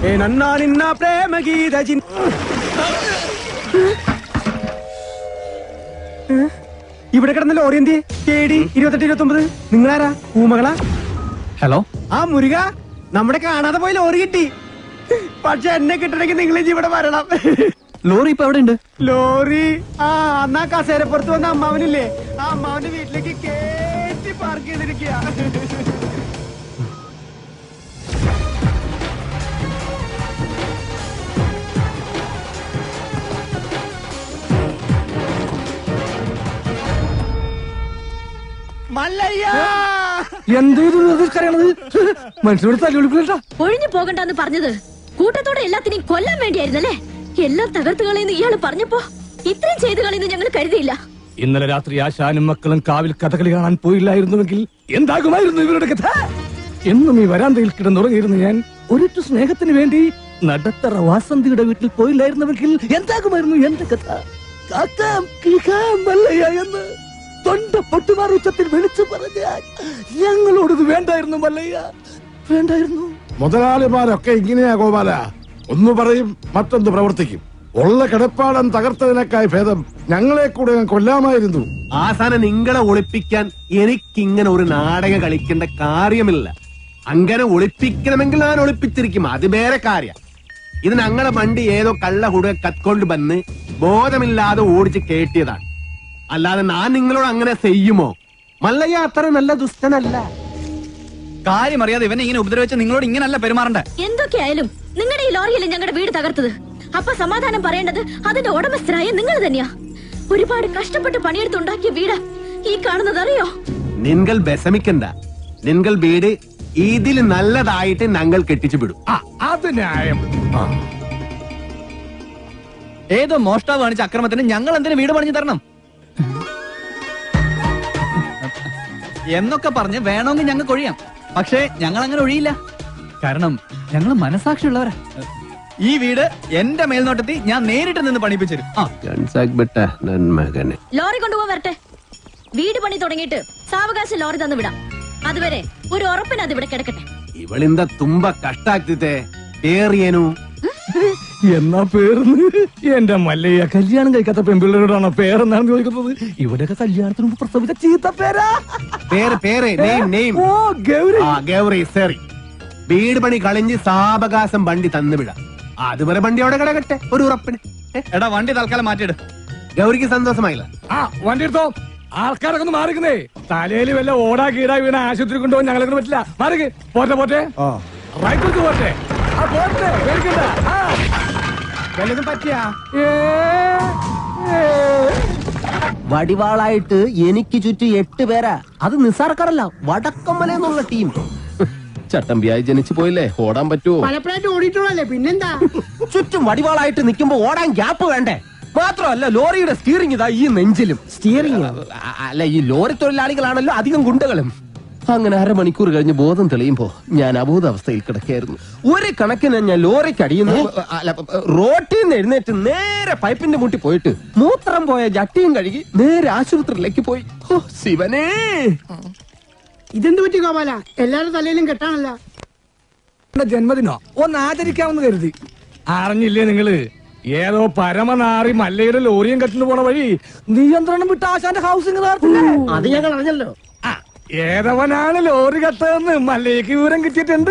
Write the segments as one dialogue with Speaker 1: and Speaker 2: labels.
Speaker 1: നന്നാ നിന്ന പ്രേമഗീത ഇവിടെ കിടന്ന ലോറി എന്തിയെ KD 2829 നിങ്ങളാരാ ഊമകളാ?
Speaker 2: ഹലോ
Speaker 1: ആ മുരുക, നമ്മുടെ കാണാതെ പോയി ലോറി കിട്ടി. പക്ഷെ എന്നെ കിട്ടണമെങ്കിൽ നിങ്ങൾ ഇവിടെ വരണം.
Speaker 2: ലോറി ഇപ്പൊ എവിടെ ഉണ്ട്?
Speaker 1: ലോറി അന്നാ കസേരപ്പുറത്ത് വന്ന അമ്മാവനില്ലേ, ആ അമ്മാവന്റെ വീട്ടിലേക്ക് കേറ്റി പാർക്ക് ചെയ്തിരിക്കുക.
Speaker 2: മനുഷ്യനോട് തല്ലുവിളിപ്പില്ല.
Speaker 3: ഒഴിഞ്ഞു പോകണ്ടെന്ന് പറഞ്ഞത് കൂട്ടത്തോടെ എല്ലാത്തിനെയും കൊല്ലാൻ വേണ്ടിയായിരുന്നല്ലേ? എല്ലാം തകർത്തു കളയുന്നു ഇയാള് പറഞ്ഞപ്പോ ഇത്രയും ചെയ്തു കളയുന്നു ഞങ്ങൾ കരുതിയില്ല.
Speaker 2: ഇന്നലെ രാത്രി ആശാനും മക്കളും കാവിൽ കഥകളി കാണാൻ പോയില്ലായിരുന്നുവെങ്കിൽ എന്താകുമായിരുന്നു ഇവരുടെ കഥ? എന്നും ഈ വരാന്തയിൽ കിടന്നുറങ്ങിയിരുന്നു ഞാൻ. ഒരിറ്റു സ്നേഹത്തിന് വേണ്ടി നടത്തറ വാസന്തിയുടെ വീട്ടിൽ പോയില്ലായിരുന്നുവെങ്കിൽ എന്താകുമായിരുന്നു എന്റെ കഥ? എന്ന് തൊണ്ട പൊട്ടുമാർ ഉച്ചത്തിൽ വിളിച്ചു പറഞ്ഞാൽ ഞങ്ങളോടത് വേണ്ടായിരുന്നു മല്ലയ്യ, വേണ്ടായിരുന്നു.
Speaker 4: മുതലാളിമാരൊക്കെ ഇങ്ങനെയാ ഗോപാല, ഒന്ന് പറയും മറ്റൊന്ന് പ്രവർത്തിക്കും. ഉള്ള കിടപ്പാടം തകർത്തതിനേക്കായി ഭേദം ഞങ്ങളെ കൂടെ കൊല്ലാമായിരുന്നു.
Speaker 5: ആസാനം നിങ്ങളെ ഒളിപ്പിക്കാൻ എനിക്കിങ്ങനെ ഒരു നാടകം കളിക്കേണ്ട കാര്യമില്ല. അങ്ങനെ ഒളിപ്പിക്കണമെങ്കിൽ ഞാൻ ഒളിപ്പിച്ചിരിക്കും, അത് വേറെ കാര്യം. ഇത് ഞങ്ങളെ വണ്ടി ഏതോ കള്ള ഹുട കത്കൊണ്ട് വന്ന് ബോധമില്ലാതെ ഓടിച്ച് കേട്ടിയതാണ്. അല്ലാതെ ഞാൻ നിങ്ങളോട് അങ്ങനെ ചെയ്യുമോ? മല്ലയ്യ അത്ര നല്ല ദുഷ്ടനല്ല.
Speaker 2: കാര്യം അറിയാതെ ഇവനെ ഇങ്ങനെ ഉപദ്രവിച്ച നിങ്ങളോട് ഇങ്ങനല്ല പെരുമാറണ്ട.
Speaker 3: എന്തൊക്കെയായാലും നിങ്ങളുടെ ഈ ലോറിയല്ലേ ഞങ്ങളുടെ വീട് തകർത്തത്. അപ്പൊ സമാധാനം പറയേണ്ടത് അതിന്റെ ഉടമസ്ഥരായ നിങ്ങൾ തന്നെയാ. ഒരുപാട് കഷ്ടപ്പെട്ട് പണിയെടുത്തുണ്ടാക്കിയ വീട് ഈ കാണുന്നത് അറിയോ?
Speaker 5: നിങ്ങൾ വിഷമിക്കണ്ട, നിങ്ങൾ വീട് ഇതിൽ നല്ലതായിട്ട് ഞങ്ങൾ കെട്ടിച്ചു വിടും.
Speaker 2: അത് ന്യായം. ഏതോ മോഷ്ടാവ് കാണിച്ച അക്രമത്തിന് ഞങ്ങൾ എന്തിനു വീട് പണിഞ്ഞു തരണം എന്നൊക്കെ പറഞ്ഞ് വേണമെങ്കിൽ ഞങ്ങൾക്ക് ഒഴിയാം. പക്ഷേ ഞങ്ങൾ അങ്ങനെ ഒഴിയില്ല. കാരണം ഞങ്ങൾ മനസാക്ഷിയുള്ളവരാ. ഈ വീട് എന്റെ മേൽനോട്ടത്തിൽ ഞാൻ നേരിട്ട് നിന്ന് പണിപ്പിച്ചു.
Speaker 3: ലോറി കൊണ്ടുപോകാൻ വരട്ടെ. വീട് പണി തുടങ്ങിയിട്ട് സാവകാശം ലോറി തന്നു വിടാം. അതുവരെ ഒരു ഉറപ്പിന് അത് ഇവിടെ കിടക്കട്ടെ.
Speaker 5: ഇവളിന്താ തുമ്പ കഷ്ടാക്കിത്തെ പേറിയേനു
Speaker 2: എന്നാ പേർന്ന് എന്റെ മല്ലയ്യ കല്യാണം കഴിക്കാത്ത പെൺപിള്ളേരോടാണോ പേരെന്നാണ് ചോദിക്കുന്നത്? ഇവരൊക്കെ കല്യാണത്തിന് മുമ്പ് പ്രസവിച്ച ചീത്ത പേരാ.
Speaker 5: ഗൗരി സേറി വീട് പണി കളിഞ്ഞ് സാവകാശം വണ്ടി തന്നുവിടാം. അതുവരെ വണ്ടി അവിടെ കിടക്കട്ടെ ഒരു ഉറപ്പിന്.
Speaker 2: എടാ വണ്ടി തൽക്കാലം മാറ്റിയിട്.
Speaker 5: ഗൗരിക്ക് സന്തോഷമായില്ല.
Speaker 2: വണ്ടി എടുത്തോ. ആൾക്കാരൊക്കെ ഒന്ന് മാറിക്കുന്നേ. തലയിൽ വല്ല ഓടാ കീടാ വീണ ആശുപത്രി കൊണ്ടുപോകാൻ ഞങ്ങളെ പറ്റില്ല. മാറിക്ക്. പോട്ടെ പോട്ടെ റൈറ്റ് പോട്ടെ.
Speaker 1: വല്ലതും പറ്റിയാ?
Speaker 5: വടിവാളായിട്ട് എനിക്ക് ചുറ്റും 8 പേരാ. അത് നിസ്സാർക്കാരല്ല, വടക്കമ്മലെന്നുള്ള ടീം. ചട്ടമ്പിയായി ജനിച്ചു പോയില്ലേ, ഓടാൻ പറ്റുമോ?
Speaker 1: പലപ്പോഴായിട്ട് ഓടിയിട്ടുള്ളല്ലേ, പിന്നെന്താ?
Speaker 5: ചുറ്റും വടിവാളായിട്ട് നിൽക്കുമ്പോ ഓടാൻ ഗ്യാപ്പ് വേണ്ടേ? മാത്രമല്ല ലോറിയുടെ സ്റ്റിയറിംഗ് ഇതാ ഈ നെഞ്ചിലും.
Speaker 1: സ്റ്റിയറിംഗ്
Speaker 5: അല്ല, ഈ ലോറി തൊഴിലാളികളാണല്ലോ അധികം ഗുണ്ടകളും. അങ്ങനെ അരമണിക്കൂർ കഴിഞ്ഞ് ബോധം തെളിയുമ്പോ ഞാൻ അബോധാവസ്ഥയിൽ കിടക്കായിരുന്നു. ഒരു കണക്കിന് ഞാൻ ലോറിക്ക് അടിയുന്നു. റോട്ടിൽ നിന്ന് എഴുന്നേറ്റ് നേരെ പൈപ്പിന്റെ മുട്ടി പോയിട്ട് മൂത്രം പോയ ജട്ടിയും കഴുകി നേരെ ആശുപത്രിയിലേക്ക് പോയി. ഓ ശിവനേ,
Speaker 1: ഇതെന്ത് പറ്റി ഗോപാല? എല്ലാരും തലയിലും കെട്ടാണല്ലോ.
Speaker 2: ജന്മദിനോ ഒന്ന് ആചരിക്കാമെന്ന് കരുതി. അറിഞ്ഞില്ലേ നിങ്ങള്? ഏതോ പരമനാറി മല്ലയുടെ ലോറിയും കെട്ടിന് പോണ വഴി നിയന്ത്രണം വിട്ട ആശാന്റെ ഹൗസിംഗ്
Speaker 1: അത് ഞങ്ങൾ അറിഞ്ഞല്ലോ.
Speaker 2: ഏതവനാണ് ലോറി കെട്ടതെന്ന് മല്ലയ്ക്ക് വിവരം കിട്ടിയിട്ടുണ്ട്.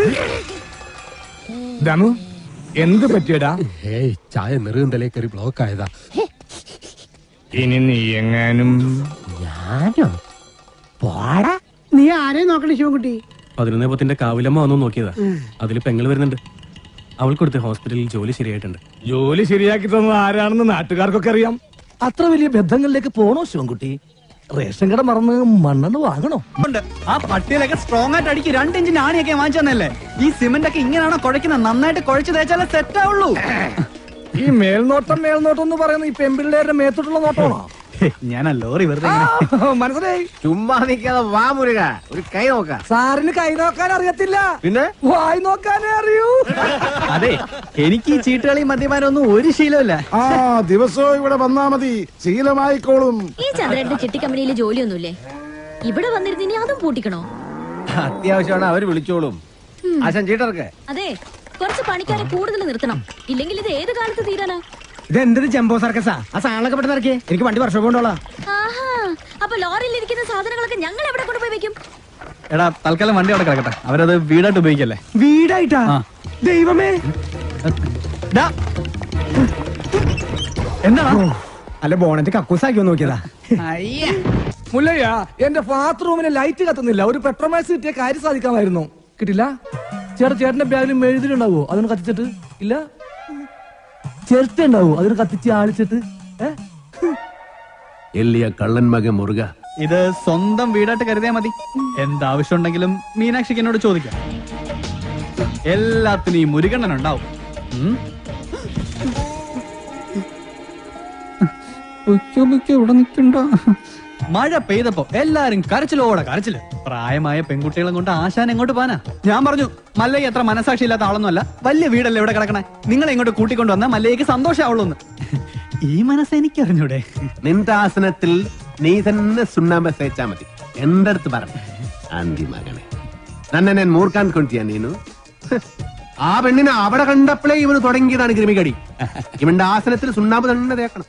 Speaker 2: ദമു എന്ത് പറ്റിയടാ?
Speaker 5: ചായ നെറുകന്തലേ കയറി ബ്ലോക്ക് ആയതാ.
Speaker 2: ഇനി നീ എങ്ങാനും
Speaker 5: ഞാനോ പോടാ.
Speaker 1: നീ ആരെയും നോക്കണേ ശിവൻകുട്ടി?
Speaker 6: 11 കാവിലമ്മ വന്നു നോക്കിയതാ. അതിൽ പെങ്ങൾ വരുന്നുണ്ട്. അവൾക്കൊടുത്ത് ഹോസ്പിറ്റലിൽ ജോലി ശരിയായിട്ടുണ്ട്.
Speaker 2: ജോലി ശരിയാക്കി തന്നത് ആരാണെന്ന് നാട്ടുകാർക്കൊക്കെ അറിയാം. അത്ര വലിയ ബന്ധങ്ങളിലേക്ക് പോണോ ശിവൻകുട്ടി? റേഷൻ കട മറന്ന് മണ്ണെണ്ണ വാങ്ങണോ? ആ പട്ടിയിലൊക്കെ സ്ട്രോങ് ആയിട്ട് അടിക്ക്. 2 ഇഞ്ചിന്റെ ആണിയൊക്കെ വാങ്ങിച്ചു തന്നല്ലേ. ഈ സിമന്റ് ഒക്കെ ഇങ്ങനെയാണോ കുഴക്കുന്നത്? നന്നായിട്ട് കുഴച്ച് തേച്ചാലേ സെറ്റ് ആവുള്ളൂ. ഈ മേൽനോട്ടം എന്ന് പറയുന്നത് ഈ പെൺപിള്ളേരുടെ മേത്തോട്ടുള്ള നോട്ടമാണോ? ഞാൻ ലോറി വെറുതെ മനസ്സിലായി.
Speaker 5: ചുമ്മാ നിൽക്കാതെ വാ മുരുക, ഒരു കൈ നോക്കാം.
Speaker 2: സാറിന് കൈ നോക്കാൻ അറിയത്തില്ല, പിന്നെ വായി നോക്കാനേ അറിയൂ. അതെ, എനിക്ക് ഈ ചീട്ടുകളി മദ്യപാനം ഒന്നും ഒരു ശീലമില്ല.
Speaker 4: ദിവസവും ഇവിടെ വന്നാ മതി, ശീലമായിക്കോളും.
Speaker 3: ഈ ചന്ദ്രന്റെ ചിട്ടി കമ്പനിയിൽ ജോലിയൊന്നുമില്ലേ? ഇവിടെ വന്നിരുന്നിനി അതും പൂട്ടിക്കണോ?
Speaker 5: അത്യാവശ്യമാണ്, അവര് വിളിച്ചോളും. ആശാൻ ചീട്ടർക്ക്.
Speaker 3: അതെ, കുറച്ച് പണിക്കാരെ കൂടുതൽ നിർത്തണം. ഇല്ലെങ്കിൽ ഇത് ഏത് കാലത്ത് തീരാനാ?
Speaker 1: ഇത് എന്തൊരു ജംബോ സർക്കസാ? ആ സാധനങ്ങളൊക്കെ പെട്ടെന്ന് ഇറക്കിയേ, എനിക്ക് വണ്ടി വർഷം കൊണ്ടോളാം.
Speaker 3: ആഹാ, അപ്പൊ ലോറിയിൽ ഇരിക്കുന്ന സാധനങ്ങളൊക്കെ ഞങ്ങൾ എവിടെ കൊണ്ടുപോയി വെക്കും?
Speaker 2: എടാ തൽക്കാലം വണ്ടി അവിടെ കിടക്കട്ടെ, അവരത് വീടായിട്ട് ഉപയോഗിക്കല്ലേ.
Speaker 1: വീടായിട്ടാ? ദൈവമേ,
Speaker 2: എന്താ
Speaker 1: അല്ല ബോണറ്റ് കക്കൂസാക്കിയോ നോക്കിയതാ.
Speaker 2: മുല്ലയ്യ, എന്റെ ബാത്റൂമിന് ലൈറ്റ് കത്തുന്നില്ല. ഒരു പെട്രോമാക്സ് കിട്ടിയ കാര്യം സാധിക്കാമായിരുന്നു. കിട്ടില്ല. ചേട്ടന്റെ ബാഗിൽ മെഴുതിലുണ്ടാവോ? അതൊന്ന് കത്തിച്ചിട്ട് ഇല്ല. ചിരട്ട ഉണ്ടാവോ? അതൊന്ന് കത്തിച്ച് ആളിച്ചിട്ട്.
Speaker 5: എല്ലിയ കള്ളൻ മകൻ മുറുക.
Speaker 2: ഇത് സ്വന്തം വീടായിട്ട് കരുതിയാ മതി. എന്താവശ്യം ഉണ്ടെങ്കിലും മീനാക്ഷിക്ക് എന്നോട് ചോദിക്കാം. എല്ലാത്തിനും ഈ മുരുകണ്ണൻ ഉണ്ടാവും. ഇവിടെ നിൽക്കണ്ട. മഴ പെയ്തപ്പോ എല്ലാരും കരച്ചിലോടെ കരച്ചില്. പ്രായമായ പെൺകുട്ടികളെ കൊണ്ട് ആശാൻ എങ്ങോട്ട് പോനാ? ഞാൻ പറഞ്ഞു മല്ലയ്യ എത്ര മനസാക്ഷി ഇല്ലാത്ത ആളൊന്നുമല്ല. വലിയ വീടല്ലേ ഇവിടെ കിടക്കണേ. നിങ്ങളെ ഇങ്ങോട്ട് കൂട്ടിക്കൊണ്ടു വന്നാൽ മല്ലയ്യക്ക് സന്തോഷമാവുള്ളൂന്ന്. ഈ മനസ്സ് എനിക്ക് അറിഞ്ഞൂടെ?
Speaker 5: നിന്റെ ആസനത്തിൽ നീ തന്നെ സുണ്ണാമ്പ തേച്ചാ മതി. എന്റെ അടുത്ത് പറഞ്ഞു ആന്തി മകനെ, തന്നെ ഞാൻ മൂർക്കാൻ കൊണ്ടിയാ നീനു. ആ പെണ്ണിനെ അവിടെ കണ്ടപ്പോഴേ ഇവന് തുടങ്ങിയതാണ് കൃമികടി. ഇവന്റെ ആസനത്തിൽ സുണ്ണാമ്പ് തന്നെ തേക്കണം.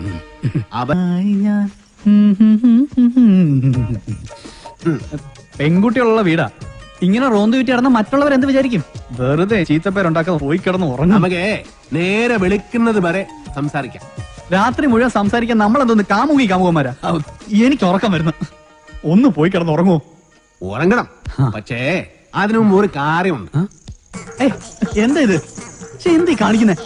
Speaker 2: പെൺകുട്ടികളുള്ള വീടാ. ഇങ്ങനെ റോന്ത് വിറ്റ് കിടന്ന മറ്റുള്ളവർ എന്ത് വിചാരിക്കും? വെറുതെ ചീത്തപ്പേരുണ്ടാക്കാതെ പോയി കിടന്ന് ഉറങ്ങും.
Speaker 5: നമുക്ക് നേരെ വെളുക്കുന്നത് വരെ സംസാരിക്കാം.
Speaker 2: രാത്രി മുഴുവൻ സംസാരിക്കാൻ നമ്മളെന്തോന്ന് കാമുകന്മാരാ? എനിക്ക് ഉറക്കം വരുന്നു. ഒന്ന് പോയി കിടന്ന് ഉറങ്ങുമോ?
Speaker 5: ഉറങ്ങണം, പക്ഷേ അതിനു മുമ്പ് ഒരു കാര്യമുണ്ട്.
Speaker 2: എന്താ ഇത്? എന്ത് കാണിക്കുന്നേ?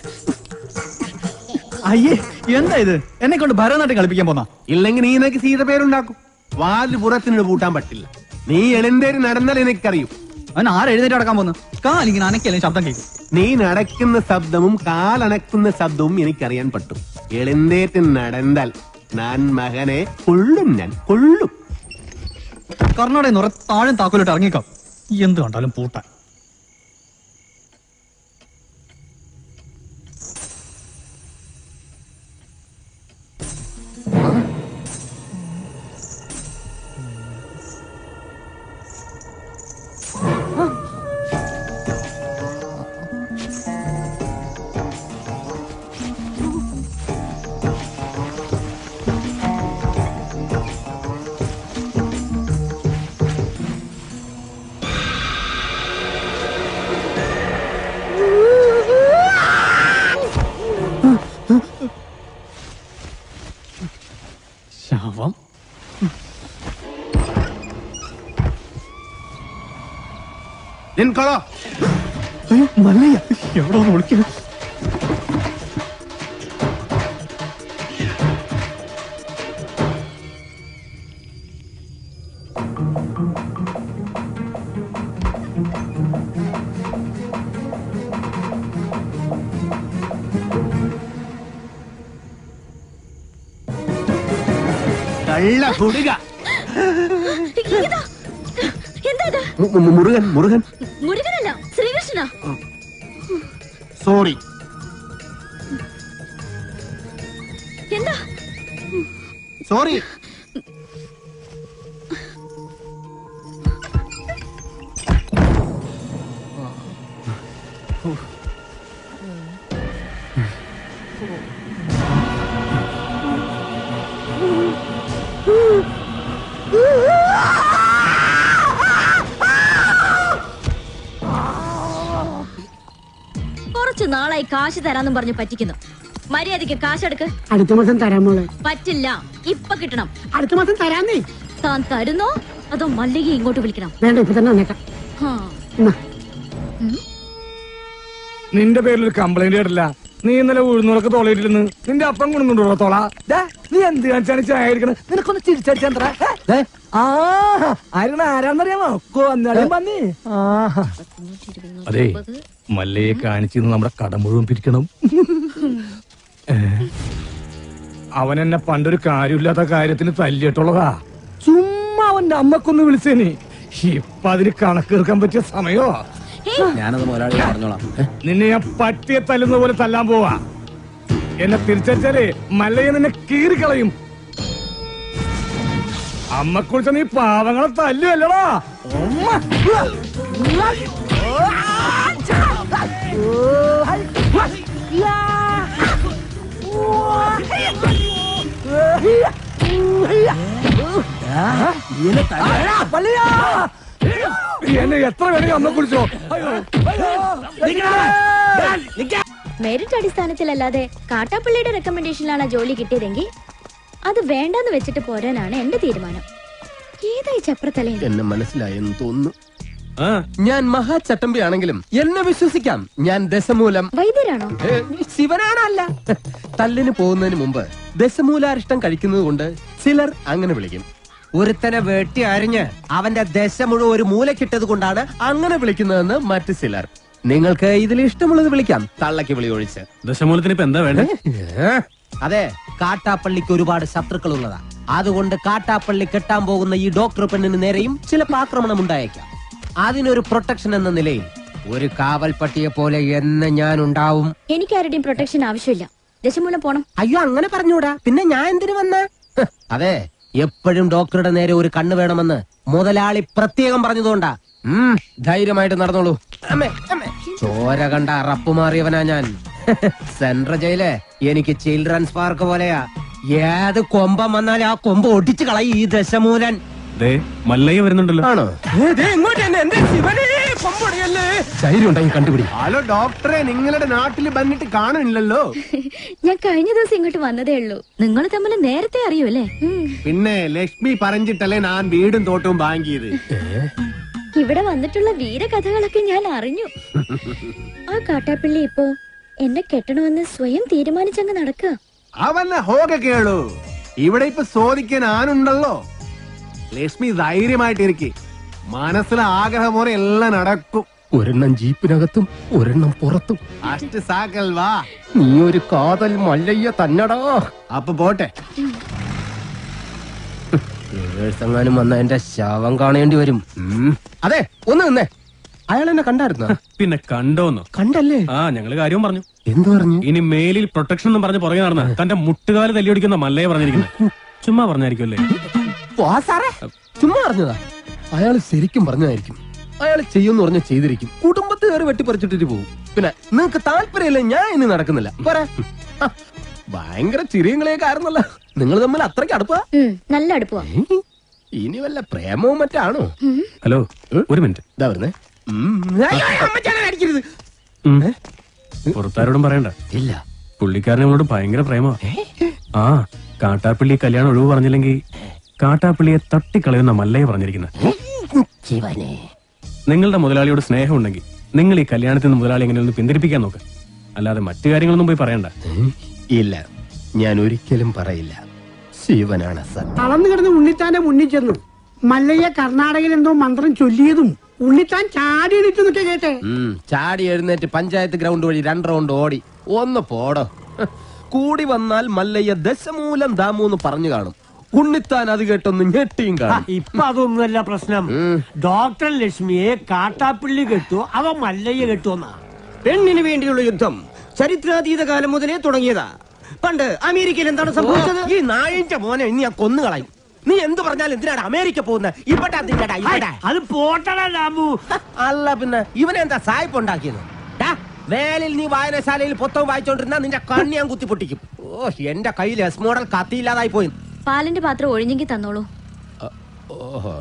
Speaker 2: അയ്യേ, എന്താ ഇത്? എന്നെ കൊണ്ട് ഭരതനാട്യം കളിപ്പിക്കാൻ പോന്നാ?
Speaker 5: ഇല്ലെങ്കിൽ നീ എനിക്ക് സീത പേരുണ്ടാക്കും. വാതിൽ പുറത്തിനോട് പൂട്ടാൻ പറ്റില്ല. നീ എഴുന്നേറ്റ് നടന്നാൽ എനിക്കറിയും.
Speaker 2: അവൻ ആരെഴുന്നേറ്റ് നടക്കാൻ പോന്നു? കാലിങ്ങനെ അനക്കല്ലേ ശബ്ദം കേൾക്കും.
Speaker 5: നീ നടക്കുന്ന ശബ്ദവും കാലണക്കുന്ന ശബ്ദവും എനിക്കറിയാൻ പറ്റും. എഴുന്നേറ്റ് നടന്നാൽ ഞാൻ മകനെ കൊള്ളും, ഞാൻ കൊള്ളും.
Speaker 2: കർണാടക നിറ താഴെ താക്കോലിട്ട് ഇറങ്ങിക്കാം. എന്ത് കണ്ടാലും പൂട്ടാൻ. ശവം.
Speaker 5: നിൻകൊളോ
Speaker 2: മല്ലയ്യ എവിടെ ഒന്ന് വിളിക്കുന്നു?
Speaker 5: കള്ള കുടുക.
Speaker 3: മുരുകൻ
Speaker 5: മുരുകൻ
Speaker 3: മുരുകനല്ല, ശ്രീകൃഷ്ണ.
Speaker 5: സോറി.
Speaker 3: എന്താ
Speaker 5: സോറി.
Speaker 3: കുറച്ചു നാളായി കാശ് തരാന്നും പറഞ്ഞു പറ്റിക്കുന്നു. മര്യാദക്ക് കാശെടുക്ക്.
Speaker 7: അടുത്ത മാസം തരാൻ മോളെ.
Speaker 3: പറ്റില്ല, ഇപ്പൊ കിട്ടണം.
Speaker 7: അടുത്ത മാസം തരാന്നേ.
Speaker 3: താൻ തരുന്നോ അതോ മല്ലിക ഇങ്ങോട്ട് വിളിക്കണം?
Speaker 7: വേണ്ട, ഇപ്പൊ തന്നെ വന്നേക്കാം.
Speaker 2: നിന്റെ പേരിൽ ഒരു കംപ്ലൈന്റ് കേട്ടില്ല. നീ ഇന്നലെ ഉഴുന്നൂറൊക്കെ തോളയിട്ടിരുന്ന് നിന്റെ അപ്പം കൊണ്ടുണ്ടോ തോള? നീ എന്ത് കാണിച്ചാണ് ചായ എടുക്കണത്? നിനക്കൊന്ന് ചിരിച്ചടിച്ചാ ആരാന്നറിയാമോ? പന്നി. അതെ, മല്ലയെ കാണിച്ചിരുന്ന് നമ്മുടെ കട മുഴുവൻ പിരിക്കണം. അവൻ എന്നെ പണ്ടൊരു കാര്യമില്ലാത്ത കാര്യത്തിന് തല്ലിയിട്ടുള്ളതാ. ചുമ്മാ അവന്റെ അമ്മക്കൊന്ന് വിളിച്ചേനി. ഇപ്പൊ അതിന് കണക്കെടുക്കാൻ പറ്റിയ സമയോ?
Speaker 6: ഞാനത് ഒരാളെ പറഞ്ഞോളാം.
Speaker 2: നിന്നെ ഞാൻ പട്ടിയെ തല്ലുന്ന പോലെ തല്ലാൻ പോവാ. എന്നെ തിരിച്ചടിച്ചാലേ മല്ലയെ നിന്നെ കീറിക്കളയും. അമ്മക്കുറിച്ച നീ പാവങ്ങളെ തല്ലുവല്ലടാ. എന്നെ എത്ര വേണമെങ്കിൽ അമ്മ കുളിച്ചോ.
Speaker 3: മെറിറ്റ് അടിസ്ഥാനത്തിലല്ലാതെ കാട്ടാപ്പള്ളിയുടെ റെക്കമെൻഡേഷനിലാണ് ജോലി കിട്ടിയതെങ്കിൽ അത് വേണ്ടെന്ന് വെച്ചിട്ട് പോരാനാണ് എന്റെ തീരുമാനം. ഏതായി ചപ്രത്തലേ?
Speaker 5: എന്നെ മനസ്സിലായെന്ന് തോന്നുന്നു. ഞാൻ മഹാചട്ടമ്പി ആണെങ്കിലും എന്നെ വിശ്വസിക്കാം. ഞാൻ ദശമൂലം
Speaker 3: വൈദ്യരാണോ?
Speaker 5: ശിവനാണല്ല. തല്ലിന് പോകുന്നതിന് മുമ്പ് ദശമൂലാരിഷ്ടം കഴിക്കുന്നത് കൊണ്ട് ചിലർ അങ്ങനെ വിളിക്കും. ഒരുത്തനെ വെട്ടി അരിഞ്ഞ് അവന്റെ ദശ മുഴുവൻ ഒരു മൂലക്കിട്ടത് കൊണ്ടാണ് അങ്ങനെ വിളിക്കുന്നതെന്ന് മറ്റു ചിലർ. നിങ്ങൾക്ക് ഇതിൽ ഇഷ്ടമുള്ളത് വിളിക്കാം, തള്ളക്ക് വിളി ഒഴിച്ച്.
Speaker 6: ദശമൂലത്തിന് ഇപ്പൊ എന്താ വേണ്ടത്?
Speaker 5: അതെ, കാട്ടാപ്പള്ളിക്ക് ഒരുപാട് ശത്രുക്കൾ ഉള്ളതാ. അതുകൊണ്ട് കാട്ടാപ്പള്ളി കെട്ടാൻ പോകുന്ന ഈ ഡോക്ടർ പെണ്ണിന് നേരെയും ചിലപ്പോൾ ആക്രമണം ഉണ്ടായേക്കാം. അതിനൊരു പ്രൊട്ടക്ഷൻ എന്ന നിലയിൽ ഒരു കാവൽ പട്ടിയെ പോലെ എന്ന് ഞാൻ ഉണ്ടാവും.
Speaker 3: എനിക്ക് ആരുടെയും പ്രൊട്ടക്ഷൻ ആവശ്യമില്ല. ദശമൂലം പോണം.
Speaker 5: അയ്യോ, അങ്ങനെ പറഞ്ഞൂടാ. പിന്നെ ഞാൻ എന്തിനു വന്ന? അതെ, എപ്പോഴും ഡോക്ടറുടെ നേരെ ഒരു കണ്ണ് വേണമെന്ന് മുതലാളി പ്രത്യേകം പറഞ്ഞതുകൊണ്ടാ. ധൈര്യമായിട്ട് നടന്നോളൂ. ചോര കണ്ട അറപ്പ് മാറിയവനാ ഞാൻ. സെൻട്രൽ ജയില് എനിക്ക് ചിൽഡ്രൻസ് പാർക്ക് പോലെയാ. ഏത് കൊമ്പം വന്നാലും ആ കൊമ്പ് ഒടിച്ചു കളയും ഈ ദശമൂലൻ.
Speaker 6: മല്ലയ്യ വരുന്നുണ്ടല്ലോ.
Speaker 5: ആണോ? കണ്ടുപിടി. ഹലോ ഡോക്ടറെ, നിങ്ങളുടെ നാട്ടിൽ വന്നിട്ട് കാണുന്നില്ലല്ലോ.
Speaker 3: ഞാൻ കഴിഞ്ഞ ദിവസം ഇങ്ങോട്ട് വന്നതേ ഉള്ളൂ. നിങ്ങൾ തമ്മിൽ നേരത്തെ അറിയൂല്ലേ?
Speaker 5: പിന്നെ ലക്ഷ്മി പറഞ്ഞിട്ടല്ലേ ഞാൻ വീടും തോട്ടവും വാങ്ങിയത്.
Speaker 3: ഇവിടെ വന്നിട്ടുള്ള വീരകഥകളൊക്കെ ഞാൻ അറിഞ്ഞു. ആ കാട്ടാപ്പിള്ളി ഇപ്പോ എന്നെ കെട്ടണമെന്ന് സ്വയം തീരുമാനിച്ചങ്ങ് നടക്കുക.
Speaker 5: അവന്നെ ഹോക കേളു. ഇവിടെ ഇപ്പൊ ചോദിക്കാൻ ആനുണ്ടല്ലോ. ലക്ഷ്മി ധൈര്യമായിട്ടിരിക്കെ. മനസ്സിലെ ആഗ്രഹം പോലെ എല്ലാം നടക്കും. ഒരെണ്ണം ജീപ്പിനകത്തും ഒരെണ്ണം പുറത്തും. അഷ്ട സാക്കൽ വാ. നീ ഒരു കാതൽ മല്ലയ്യ തന്നടാ. അപ്പൊ പോട്ടെ. എങ്ങാനും വന്ന എന്റെ ശവം കാണേണ്ടി വരും. അതെ, ഒന്ന് നിന്നേ. അയാൾ എന്നെ കണ്ടായിരുന്നോ?
Speaker 6: പിന്നെ കണ്ടോന്നോ?
Speaker 5: കണ്ടല്ലേ?
Speaker 6: ഞങ്ങള് കാര്യവും പറഞ്ഞു.
Speaker 5: എന്തു പറഞ്ഞു?
Speaker 6: ഇനി മേലിൽ പ്രൊട്ടക്ഷൻ എന്നും പറഞ്ഞ് പുറകെ നടന്ന തന്റെ മുട്ടുകാല് തല്ലിയൊടിക്കുന്ന മല്ലയെ പറഞ്ഞിരിക്കുന്നത്. ചുമ്മാ പറഞ്ഞായിരിക്കുമല്ലേ?
Speaker 5: ചുമ്മാ പറഞ്ഞതാ. അയാൾ ശരിക്കും പറഞ്ഞതായിരിക്കും. അയാൾ ചെയ്യുമെന്ന് പറഞ്ഞ ചെയ്തിരിക്കും. കുടുംബത്തെ കയറി വെട്ടിപ്പറിച്ചിട്ടിട്ട് പോകും. പിന്നെ നിങ്ങക്ക് താല്പര്യമില്ല, ഞാൻ ഇനി നടക്കുന്നില്ല. പോരാ. ഭയങ്കര ചിരിയും കളിയൊക്കെ ആയിരുന്നല്ലോ. നിങ്ങൾ തമ്മിൽ അത്രയ്ക്ക് അടുപ്പാ?
Speaker 3: നല്ല അടുപ്പാ.
Speaker 5: ഇനി വല്ല പ്രേമവും മറ്റാണോ?
Speaker 6: ഹലോ, ഒരു മിനിറ്റ്.
Speaker 5: ഇതാ വരുന്നേ.
Speaker 6: പുറത്താരോടും പറയണ്ട.
Speaker 5: ഇല്ല.
Speaker 6: പുള്ളിക്കാരൻ നമ്മളോട് ഭയങ്കര പ്രേമ. കാട്ടാപ്പിള്ളി കല്യാണം ഒഴിവ് പറഞ്ഞില്ലെങ്കിൽ കാട്ടാപ്പിള്ളിയെ തട്ടിക്കളയുന്ന മല്ലയെ പറഞ്ഞിരിക്കുന്നത്. നിങ്ങളുടെ മുതലാളിയോട് സ്നേഹം ഉണ്ടെങ്കിൽ നിങ്ങൾ ഈ കല്യാണത്തിൽ നിന്ന് മുതലാളി എങ്ങനെയൊന്ന് പിന്തിരിപ്പിക്കാൻ നോക്ക്. അല്ലാതെ മറ്റു കാര്യങ്ങളൊന്നും പോയി പറയണ്ട.
Speaker 5: ഇല്ല, ഞാൻ ഒരിക്കലും പറയില്ല. ശിവനാണ് സത്യം.
Speaker 7: തളർന്നു കിടന്ന് ഉണ്ണിത്താന്റെ മുന്നിൽ ചെന്നു. മല്ലയ്യ കർണാടകയിൽ എന്തോ മന്ത്രം ചൊല്ലിയതും ഉണ്ണിത്താൻ ചാടി എണീറ്റെന്നൊക്കെ കേട്ടെ.
Speaker 5: ചാടി എഴുന്നേറ്റ് പഞ്ചായത്ത് ഗ്രൗണ്ട് വഴി 2 റൗണ്ട് ഓടി. ഒന്ന് പോടോ. കൂടി വന്നാൽ മല്ലയ്യ ദശമൂലം ദാമൂന്ന് പറഞ്ഞു കാണും. ഉണ്ണിത്താൻ അത് കേട്ടൊന്ന് ഞെട്ടിയും കാണും.
Speaker 8: ഇപ്പൊ അതൊന്നുമല്ല പ്രശ്നം. ഡോക്ടർ ലക്ഷ്മിയെ കാട്ടാപ്പിള്ളി കെട്ടു, അവ മല്ലയ്യ കെട്ടുവെന്നാ. പെണ്ണിന് വേണ്ടിയുള്ള യുദ്ധം ചരിത്രാതീത കാലം മുതലേ തുടങ്ങിയതാ. പണ്ട് അമേരിക്കയിൽ എന്താണ് സംഭവിച്ചത്?
Speaker 5: ഈ നായിന്റെ മോനെ ഇനി ഞാൻ കൊന്നുകളയും. നീ എന്ത് പറഞ്ഞാലും എന്തിനാണ് അമേരിക്ക പോകുന്നത്? ഇവിടെ
Speaker 8: അത് പോട്ടടാ രാമു.
Speaker 5: അല്ല പിന്നെ ഇവനെന്താ സായിപ്പ് ഉണ്ടാക്കിയത്? വേലിൽ നീ വായനശാലയിൽ പുസ്തകം വായിച്ചോണ്ടിരുന്ന നിന്റെ കണ്ണി ഞാൻ കുത്തിപ്പൊട്ടിക്കും. ഓ, എന്റെ കയ്യിൽ എസ് മോഡൽ കത്തിയില്ലാതായി പോയി.
Speaker 3: പാലിന്റെ പാത്രം ഒഴിഞ്ഞെങ്കിൽ തന്നോളൂ.
Speaker 5: ഓഹോ.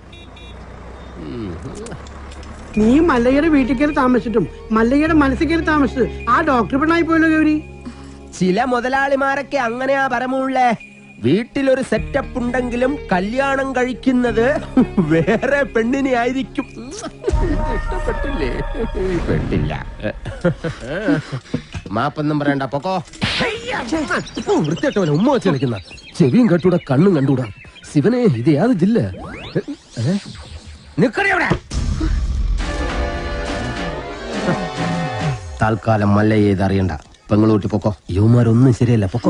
Speaker 7: നീ മല്ലയ്യയുടെ വീട്ടിൽ കയറി താമസിച്ചിട്ടും മല്ലയ്യയുടെ മനസ്സിൽ കയറി താമസിച്ചത് ആ ഡോക്ടർ പെണ്ണായി പോയല്ലോ ഗൗരി.
Speaker 5: ചില മുതലാളിമാരൊക്കെ അങ്ങനെയാ പരമുള്ളേ. വീട്ടിലൊരു സെറ്റപ്പ് ഉണ്ടെങ്കിലും കല്യാണം കഴിക്കുന്നത് വേറെ പെണ്ണിനെ ആയിരിക്കും. ഇഷ്ടപ്പെട്ടില്ലേ? പെട്ടില്ല. മാപ്പൊന്നും പറയണ്ട, പൊക്കോ. വൃത്തിയായിട്ടവനെ ഉമ്മ വെച്ച് കളിക്കുന്ന. ചെവിയും കെട്ടൂടാ, കണ്ണും കണ്ടൂടാ. ശിവനെ, ഇത് യാത് ജില്ല? നിക്കടെ. തൽക്കാലം മല്ലയ്യ ഇതറിയണ്ട. പെങ്ങളൂട്ടി പൊക്കോ. യുവമാരൊന്നും ശരിയല്ല, പൊക്കോ.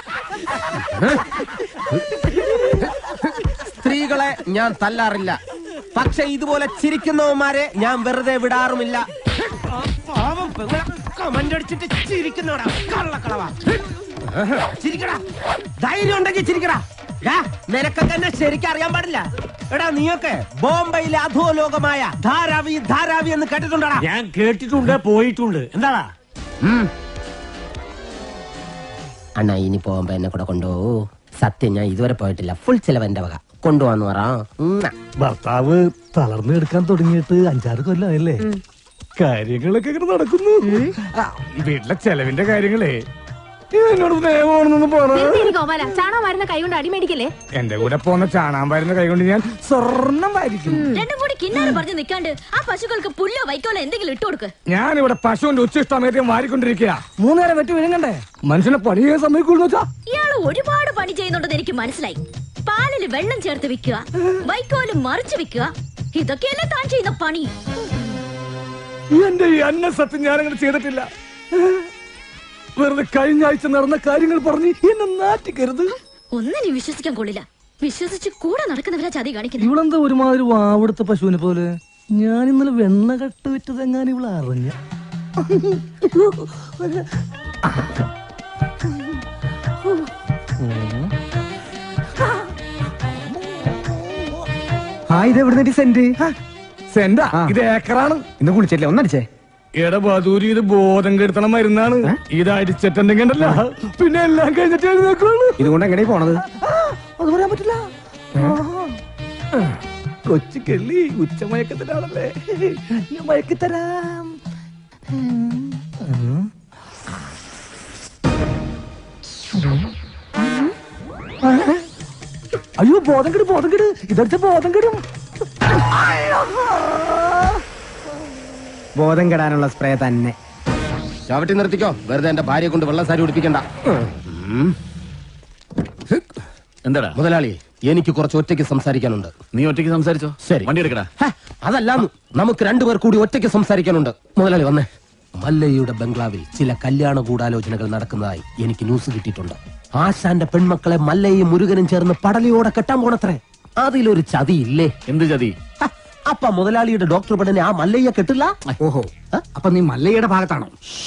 Speaker 5: സ്ത്രീകളെ ഞാൻ തല്ലാറില്ല, പക്ഷെ ഇതുപോലെ ചിരിക്കുന്നവന്മാരെ ഞാൻ വെറുതെ വിടാറുമില്ല. കമന്റടിച്ചിട്ട് ചിരിക്കുന്നവടാ, കള്ളക്കളവാ. ചിരിക്കടാ, ധൈര്യം ഉണ്ടെങ്കിൽ ചിരിക്കടാ.
Speaker 8: നിനക്കൊക്കെ എന്നെ ശരിക്കും അറിയാൻ പാടില്ല. എടാ നീയൊക്കെ ബോംബെയിലെ അധോലോകമായ ധാരാവി ധാരാവി എന്ന് കേട്ടിട്ടുണ്ടാ?
Speaker 9: ഞാൻ കേട്ടിട്ടുണ്ട്, പോയിട്ടുണ്ട്. എന്താടാ
Speaker 8: അണ്ണാ ഇനി പോകുമ്പോ എന്നെ കൂടെ കൊണ്ടുപോകൂ. സത്യം ഞാൻ ഇതുവരെ പോയിട്ടില്ല. ഫുൾ ചെലവ് എന്റെ വക. കൊണ്ടുപോവാന്ന് പറ.
Speaker 2: ഭർത്താവ് തളർന്നു എടുക്കാൻ തുടങ്ങിയിട്ട് 5-6 കൊല്ലമായല്ലേ? കാര്യങ്ങളൊക്കെ ഇങ്ങനെ നടക്കുന്നു. വീട്ടിലെ ചെലവിന്റെ കാര്യങ്ങളേ എന്നോട് സ്നേഹമാണെന്നൊന്ന്
Speaker 3: ഗോപാല ചാണകം വരുന്ന കൈ കൊണ്ട് അടിമേടിക്കല്ലേ.
Speaker 2: എന്റെ കൂടെ പോന്ന ചാണാൻ വരുന്ന കൈ കൊണ്ട് ഞാൻ സ്വർണം വാരിക്കും.
Speaker 3: രണ്ടും കൂടി കിന്നാരം പറഞ്ഞു നിൽക്കാണ്ട് ആ പശുക്കൾക്ക് പുല്ലോ വൈക്കോലോ എന്തെങ്കിലും ഇട്ടു കൊടുക്ക്.
Speaker 2: ഞാനിവിടെ പശുവിന്റെ ഉച്ചിഷ്ടമേറ്റം വാരിക്കൊണ്ടിരിക്കുക. 3 നേരം വെട്ടി വിഴുങ്ങണ്ടേ? മനുഷ്യനെ പണി ചെയ്യാൻ സമ്മതിക്കൂന്ന് വെച്ചാ?
Speaker 3: ഇയാള് ഒരുപാട് പണി ചെയ്യുന്നുണ്ടെന്ന് എനിക്ക് മനസ്സിലായി. പാലില് വെള്ളം ചേർത്ത് വിൽക്കുക, വൈക്കോല് മറിച്ച് വിൽക്കുക, ഇതൊക്കെയല്ലേ താൻ ചെയ്യുന്ന പണി.
Speaker 2: എന്റെ ഈ അന്ന സത്യം ഞാനങ്ങനെ ചെയ്തിട്ടില്ല. വെറുതെ കഴിഞ്ഞ ആഴ്ച നടന്ന കാര്യങ്ങൾ പറഞ്ഞ് എന്നെ നാറ്റിക്കരുത്.
Speaker 3: ഒന്നിനും വിശ്വസിക്കാൻ കൊള്ളില്ല. വിശ്വസിച്ച് കൂടെ നടക്കുന്നവരാ ചതി കാണിക്കുന്നത്.
Speaker 2: ഇവളെന്താ ഒരുമാതിരി വാവെടുത്ത പശുവിനെ പോലെ? ഞാൻ ഇന്നലെ വെണ്ണ കട്ട് വിറ്റതെങ്ങാനും ഇവളെ അറിഞ്ഞ.
Speaker 1: ഇതെവിടുന്ന സെന്റ്?
Speaker 2: സെന്റാ? ഇത് ഏക്കറാണ്.
Speaker 1: ഇന്ന് കുളിച്ചില്ലേ? ഒന്നടിച്ചേ.
Speaker 2: എടബാദൂരി ഇത് ബോധം കെടുത്തണ മരുന്നാണ്. ഇത് അടിച്ചിട്ടുണ്ടെങ്കിൽ ഉണ്ടല്ലോ, പിന്നെ എല്ലാം കഴിഞ്ഞിട്ട് എഴുന്നേക്കുള്ളൂ.
Speaker 1: ഇതുകൊണ്ട് എങ്ങനെ പോണത്?
Speaker 2: അത് പറയാൻ പറ്റില്ല. കൊച്ചു കെള്ളി ഉച്ചമയക്കത്തിലാണല്ലേ, ഞാൻ മയക്കിത്തരാം. അയ്യോ ബോധം കെടും, ബോധം കെട്. ഇതടിച്ച ബോധം കെടും.
Speaker 1: ബോധം കെടാനുള്ള സ്പ്രേ തന്നെ.
Speaker 8: ചവിട്ടി നിർത്തിക്കോ. വെറുതെ എന്റെ ഭാര്യയെ കൊണ്ട് വെള്ളസാരി ഉടിപ്പിക്കണ്ട.
Speaker 6: എന്താടാ
Speaker 8: മുതലാളി, എനിക്ക് കുറച്ച് ഒറ്റയ്ക്ക് സംസാരിക്കാനുണ്ട്.
Speaker 6: നീ ഒറ്റയ്ക്ക് സംസാരിച്ചോ?
Speaker 8: ശരി,
Speaker 6: വണ്ടി എടുക്കടാ.
Speaker 8: അതല്ലാന്ന് നമുക്ക് 2 പേർ കൂടി ഒറ്റയ്ക്ക് സംസാരിക്കാനുണ്ട്. മുതലാളി വന്നേ. മല്ലയ്യയുടെ ബംഗ്ലാവിൽ ചില കല്യാണ ഗൂഢാലോചനകൾ നടക്കുന്നതായി എനിക്ക് ന്യൂസ് കിട്ടിയിട്ടുണ്ട്. ആശാന്റെ പെൺമക്കളെ മല്ലയും മുരുകനും ചേർന്ന് പടലിയോടെ കെട്ടാൻ പോണത്രേ. അതിലൊരു ചതി ഇല്ലേ?
Speaker 6: എന്ത് ചതി?
Speaker 8: അപ്പ മുതലാളിയുടെ ഡോക്ടർ പെണ്ണിനെ ആ മല്ലയ്യ കെട്ടില്ല.
Speaker 1: ഓഹോ, അപ്പൊ നീ മല്ലയുടെ ഭാഗത്താണോ?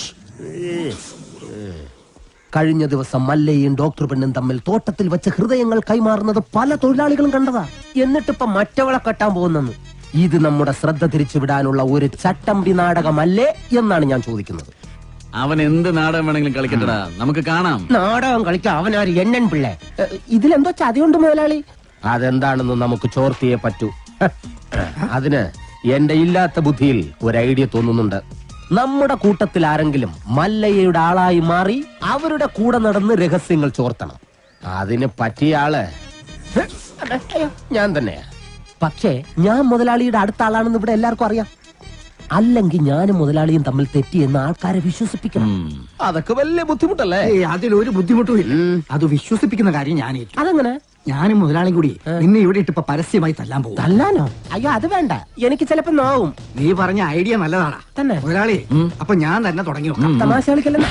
Speaker 8: കഴിഞ്ഞ ദിവസം മല്ലയും ഡോക്ടർ പെണ്ണും തമ്മിൽ തോട്ടത്തിൽ വെച്ച് ഹൃദയങ്ങൾ കൈമാറുന്നത് പല തൊഴിലാളികളും കണ്ടതാ. എന്നിട്ടിപ്പ മറ്റവളെ കെട്ടാൻ പോകുന്നെന്ന്. ഇത് നമ്മുടെ ശ്രദ്ധ തിരിച്ചുവിടാനുള്ള ഒരു ചട്ടമ്പി നാടകമല്ലേ എന്നാണ് ഞാൻ ചോദിക്കുന്നത്.
Speaker 6: അവൻ എന്ത് നാടകം വേണമെങ്കിലും കളിക്കട്ടടാ, നമുക്ക് കാണാം.
Speaker 8: നാടകം കളിക്കാൻ അവനാര് എണ്ണൻ പിള്ളേ? ഇതിലെന്തോ ചതിയുണ്ട് മുതലാളി. അതെന്താണെന്ന് നമുക്ക് ചോർത്തിയേ പറ്റൂ. അതിന് എന്റെ ഇല്ലാത്ത ബുദ്ധിയിൽ ഒരു ഐഡിയ തോന്നുന്നുണ്ട്. നമ്മുടെ കൂട്ടത്തിൽ ആരെങ്കിലും മല്ലയ്യയുടെ ആളായി മാറി അവരുടെ കൂടെ നടന്ന് രഹസ്യങ്ങൾ ചോർത്തണം. അതിന് പറ്റിയ ആള് ഞാൻ തന്നെയാ. പക്ഷേ ഞാൻ മുതലാളിയുടെ അടുത്ത ആളാണെന്ന് ഇവിടെ എല്ലാവർക്കും അറിയാം. അല്ലെങ്കിൽ ഞാനും മുതലാളിയും തമ്മിൽ തെറ്റിയെന്ന് ആൾക്കാരെ വിശ്വസിപ്പിക്കണം. അതൊക്കെ വലിയ ബുദ്ധിമുട്ടല്ലേ?
Speaker 1: അതിലൊരു ബുദ്ധിമുട്ടും ഇല്ല. അത് വിശ്വസിപ്പിക്കുന്ന കാര്യം ഞാൻ ഏറ്റു.
Speaker 8: അതെങ്ങനെ?
Speaker 1: ഞാനും മുതലാളിയും കൂടി നിന്നെ ഇവിടെ ഇട്ടിപ്പോ പരസ്യമായി തല്ലാൻ പോകും.
Speaker 8: തല്ലാനോ? അയ്യോ അത് വേണ്ട, എനിക്ക് ചിലപ്പോ നോവും.
Speaker 1: നീ പറഞ്ഞ ഐഡിയ നല്ലതാടാ
Speaker 8: തന്നെ
Speaker 1: മുതലാളി. അപ്പൊ ഞാൻ തന്നെ തുടങ്ങി നോക്കാം.
Speaker 8: തമാശ കളിക്കല്ലെന്ന്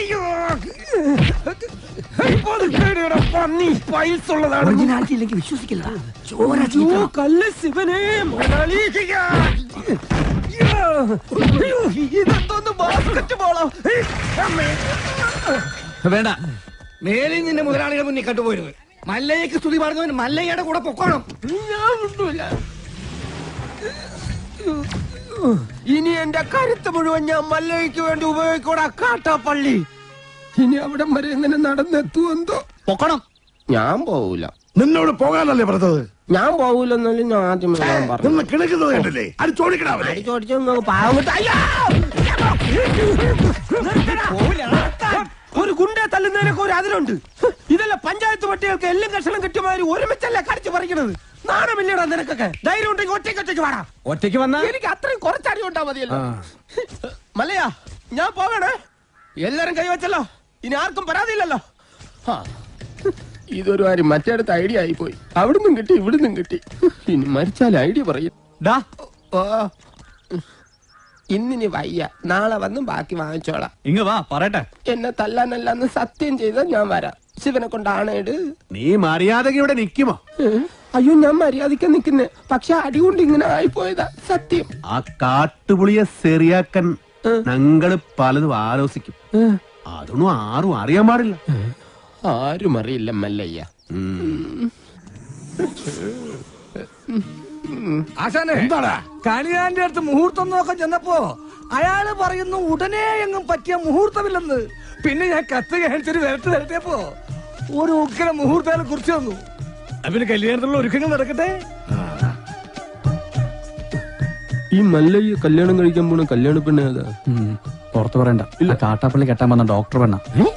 Speaker 1: ഒറിജിനാലിറ്റി ഇല്ലെങ്കിൽ വിശ്വസിക്കില്ല.
Speaker 6: വേണ്ട,
Speaker 1: മേലിൽ നിന്റെ മുതലാളിയുടെ മുന്നിൽ കണ്ടുപോയിരുന്നു. മല്ലയ്യക്ക് സ്തുതി പറഞ്ഞവൻ മല്ലയ്യയുടെ കൂടെ പൊക്കോണം.
Speaker 8: ഇനി എന്റെ കരുത്ത് മുഴുവൻ ഞാൻ മല്ലയ്ക്ക് വേണ്ടി ഉപയോഗിക്കൂടാ. കാട്ടാപ്പള്ളി ഇനി അവിടെ വരെ എങ്ങനെ നടന്നെത്തുവെന്തോ.
Speaker 6: പൊക്കണം.
Speaker 8: ഞാൻ പോവൂല.
Speaker 4: നിന്നോട് പോകാനല്ലേ പറഞ്ഞത്?
Speaker 8: ഞാൻ പോവൂലെന്നല്ലേ ഞാൻ ആദ്യം പറഞ്ഞു.
Speaker 4: നിന്ന് കിണക്കുന്നത് കണ്ടില്ലേ? അത് ചോദിക്കണാവല്ലേ?
Speaker 8: ഒരു ഗുണ്ടെ തല്ലുന്നതിനൊക്കെ ഒരു അതിലുണ്ട്. ഇതല്ല പഞ്ചായത്ത് പട്ടികൾക്ക് എല്ലാം കഷണം കിട്ടിയമാതിരി ഒരുമിച്ചല്ലേ കടിച്ചു പറിക്കണത്. നാണമില്ലടാ നിനക്കൊക്കെ. ധൈര്യം ഉണ്ടെങ്കിൽ ഒറ്റയ്ക്ക് വാടാ.
Speaker 1: ഒറ്റയ്ക്ക് വന്നാ
Speaker 8: എനിക്ക് അത്രയും കുറച്ചടി ഉണ്ടാ മതിയല്ലോ. മല്ലയാ, ഞാൻ പോകണേ. എല്ലാരും കൈവച്ചല്ലോ, ഇനി ആർക്കും പരാതിയില്ലല്ലോ. ഇതൊരു കാര്യം മറ്റേടത്ത് ഐഡിയ ആയിപ്പോയി. അവിടുന്നും കിട്ടി ഇവിടുന്നും കിട്ടി. ഇനി മരിച്ചാൽ ഐഡിയ പറയും. ഇന്നിനി വയ്യ, നാളെ വന്ന് ബാക്കി വാങ്ങിച്ചോളാം.
Speaker 6: ഇങ്ങ വാ പറയട്ടെ.
Speaker 8: എന്നെ തല്ലാനല്ലാന്ന് സത്യം ചെയ്താൽ ഞാൻ വരാം. ശിവനെ കൊണ്ടാണേട്.
Speaker 5: നീ മര്യാദക്ക് ഇവിടെ നിക്കുമോ?
Speaker 8: അയ്യോ ഞാൻ മര്യാദയ്ക്ക് നിക്കുന്നേ. പക്ഷെ അടികൊണ്ട് ഇങ്ങനെ ആയിപ്പോയതാ സത്യം.
Speaker 5: ആ കാട്ടുപുളിയെ ശരിയാക്കാൻ ഞങ്ങള് പലതും ആലോചിക്കും. അതൊന്നും ആരും അറിയാൻ പാടില്ല.
Speaker 8: ആരും അറിയില്ല മല്ലയ്യ.
Speaker 2: ആശാനെ
Speaker 4: എന്താടാ
Speaker 2: കണിയാന്റെ അടുത്ത് മുഹൂർത്തം നോക്കാൻ ചെന്നപ്പോ അയാള് പറയുന്നു ഉടനെ എങ്ങും പറ്റിയ മുഹൂർത്തമില്ലെന്ന്. പിന്നെ ഞാൻ കത്ത് കാണിച്ചൊരു വരട്ടിയപ്പോ ഒരു ഉഗ്ര മുഹൂർത്തം കുറിച്ച് തന്നു. പിന്നെ കല്യാണത്തിലുള്ള ഒരുക്കങ്ങൾ നടക്കട്ടെ.
Speaker 10: ഈ മല്ലയ്യ കല്യാണം കഴിക്കാൻ പോണ കല്യാണ പെണ്ണ ഏതാ?
Speaker 6: പുറത്തു പറയണ്ട. ഇല്ല, കാട്ടാപ്പള്ളി കെട്ടാൻ വന്ന ഡോക്ടർ പെണ്ണ.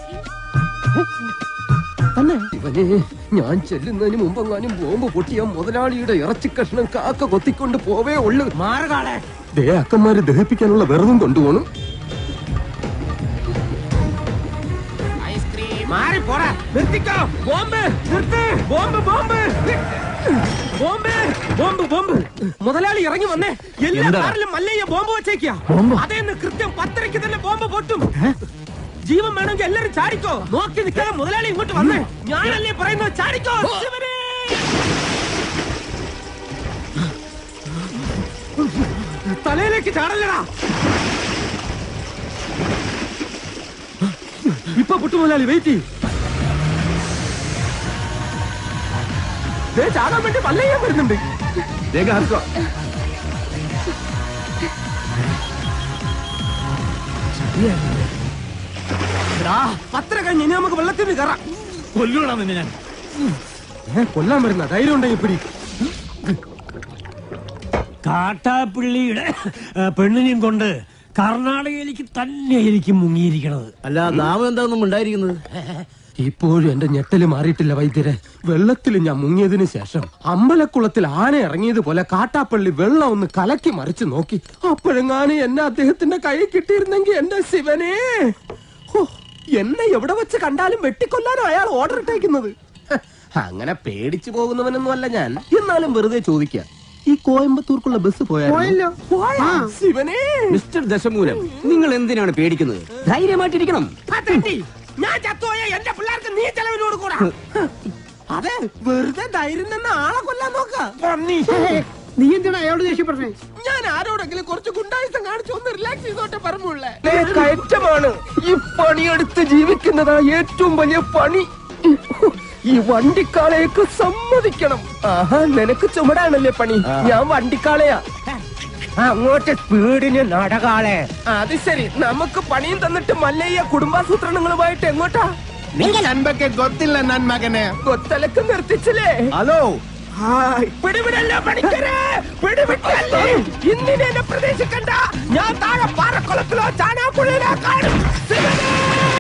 Speaker 10: ഇവനെ ഞാൻ ചെല്ലുന്നതിന് മുമ്പെങ്ങാനും ബോംബ് പൊട്ടിയ മുതലാളിയുടെ ഇറച്ചി കഷ്ണം കാക്ക കൊത്തിക്കൊണ്ട് പോവേ ഉള്ളു.
Speaker 8: മാറുകാളെ
Speaker 10: അക്കന്മാരെ ദഹിപ്പിക്കാനുള്ള വെറുതും കൊണ്ടുപോകണം.
Speaker 8: മാറി പോടാ. നിർത്തിക്കോ. ബോംബ് നിർത്ത്. Bomb bomb bomb bomb bomb. മുതലാളി ഇറങ്ങി വന്നേ. എല്ലാ കാറിലും മല്ലയ്യ ബോംബ് വെച്ചേക്കാ. അതേന്ന് കൃത്യം 10:30 തന്നെ ബോംബ് പൊട്ടും. ജീവൻ വേണമെങ്കിൽ എല്ലാരും ചാടിക്കോ. നോക്കി നിൽക്കാതെ മുതലാളി ഇങ്ങോട്ട് വന്നേ. ഞാനല്ലേ പറയുന്നത്, ചാടിക്കോ. ശിവനേ. തലയിലേക്ക് ചാടല്ലടാ. ഇപ്പൊ പൊട്ടു മുതലാളി. വെയിറ്റ് ചെയ്യും. ചാടാൻ വേണ്ടി മല്ലയ്യ വരുന്നുണ്ട്. പത്ര കഴിഞ്ഞ് ഇനി നമുക്ക് വെള്ളത്തിൽ കയറാം.
Speaker 2: കൊല്ലൂടാ നിന്നെ ഞാൻ.
Speaker 8: കൊല്ലാൻ വരുന്ന ധൈര്യം ഉണ്ടെങ്കിൽ പിടി.
Speaker 9: കാട്ടാപ്പിള്ളിയുടെ പെണ്ണിനെയും കൊണ്ട് കർണാടകയിലേക്ക് തന്നെ ആയിരിക്കും മുങ്ങിയിരിക്കണത്.
Speaker 2: അല്ല നാമം എന്താണെന്നും ഉണ്ടായിരിക്കുന്നത്.
Speaker 10: ഇപ്പോഴും എന്റെ ഞെട്ടല് മാറിയിട്ടില്ല വൈദ്യരെ. വെള്ളത്തിൽ ഞാൻ മുങ്ങിയതിന് ശേഷം അമ്പലക്കുളത്തിൽ ആന ഇറങ്ങിയതുപോലെ കാട്ടാപ്പള്ളി വെള്ളം ഒന്ന് കലക്കി മറിച്ച് നോക്കി. അപ്പോഴെങ്ങാനും എന്നെ അദ്ദേഹത്തിന്റെ കൈ കിട്ടിയിരുന്നെങ്കിൽ എന്റെ ശിവനെ, എന്നെ എവിടെ വെച്ച് കണ്ടാലും വെട്ടിക്കൊല്ലാനോ അയാൾ ഓർഡർ ഇട്ടേക്കുന്നത്. അങ്ങനെ പേടിച്ചു പോകുന്നവനൊന്നും അല്ല ഞാൻ. എന്നാലും വെറുതെ ചോദിക്കാം, ഈ കോയമ്പത്തൂർക്കുള്ള ബസ്
Speaker 7: പോയല്ലോ.
Speaker 10: ശിവനെ.
Speaker 8: മിസ്റ്റർ ദശമൂലം, നിങ്ങൾ എന്തിനാണ് പേടിക്കുന്നത്? ധൈര്യമായിട്ടിരിക്കണം.
Speaker 10: ഞാൻ ചത്തോയ എന്റെ പിള്ളേർക്ക് നീ ചെലവിന് കൊടുക്കൂടാ. അതെ, വെറുതെ ധൈര്യം തന്നെ ആളെ കൊല്ലാൻ നോക്കാം.
Speaker 7: നീ എന്തിനാ അയാളോട് ദേഷ്യപ്പെട്ടേ?
Speaker 10: ഞാൻ ആരോടെങ്കിലും കുറച്ച് ഗുണ്ടായുസം കാണിച്ചു ഒന്ന് റിലാക്സ് ചെയ്തോട്ടെ പറഞ്ഞുള്ളേ. കയറ്റമാണ്. ഈ പണിയെടുത്ത് ജീവിക്കുന്നതാ ഏറ്റവും വലിയ പണി. ഈ വണ്ടിക്കാളയൊക്കെ സമ്മതിക്കണം. ആഹാ, നിനക്ക് ചുമടാണല്ലേ പണി. ഞാൻ വണ്ടിക്കാളയാ.
Speaker 8: അങ്ങോട്ട് സ്പീഡിന് നടകാളെ.
Speaker 10: അത് ശരി, നമുക്ക് പണിയും തന്നിട്ട് മല്ലയ്യ കുടുംബാസൂത്രണങ്ങളുമായിട്ട് എങ്ങോട്ടാ?
Speaker 5: നൻപൊക്കെ ഗൊത്തില്ല നൻ മകനെ.
Speaker 10: കൊത്തലക്ക് നിർത്തിച്ചില്ലേ?
Speaker 5: ഹലോ,
Speaker 10: പിടിവിടല്ലോ പണിക്കരെ, പിടിവിട്ടല്ലേ. ഇന്നിനെ എന്നെ പ്രതീക്ഷിക്കണ്ട. ഞാൻ താഴെ പാറക്കുളത്തിലോ ചാനാപ്പുഴയിലോ കാണും.